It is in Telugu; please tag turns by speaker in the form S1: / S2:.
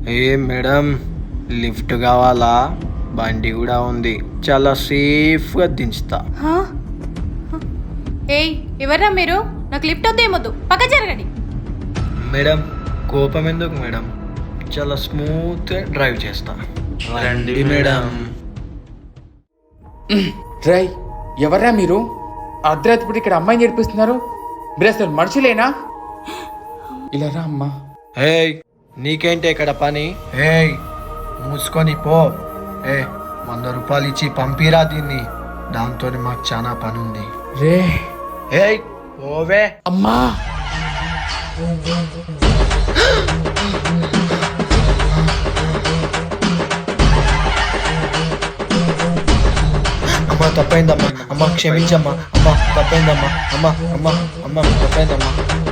S1: ఏ మేడం, లిఫ్ట్ కావాలా? బండి కూడా ఉంది, చాలా సేఫ్గా దించుతా.
S2: హా? ఏయ్, ఎవర్రా మీరు? నాకు లిఫ్ట్ వద్దు, ఏమొద్దు, పక్క జరగండి.
S1: మేడం, కోపం ఎందుకు మేడం? చాలా స్మూత్గా డ్రైవ్ చేస్తా. రండి మేడం.
S3: రై, ఎవర్రా మీరు? అర్ధరాత్రి ఇక్కడ అమ్మాయిని నేర్పిస్తున్నారు. మీరు అసలు మనుషులేనా? ఇలా రా అమ్మా.
S1: ఏయ్, నీకేంటి ఇక్కడ పని? ఏయ్, మూసుకొని పో. 100 రూపాయలు ఇచ్చి పంపిరా దీన్ని, దాంతో మాకు చాలా పని ఉంది.
S3: రే
S1: ఏయ్, ఓవే.
S3: అమ్మా.
S1: అమ్మ తప్పైందమ్మా, అమ్మ క్షమించమ్మా, అమ్మ తప్పైందమ్మా, అమ్మ అమ్మ అమ్మ తప్పైందమ్మా.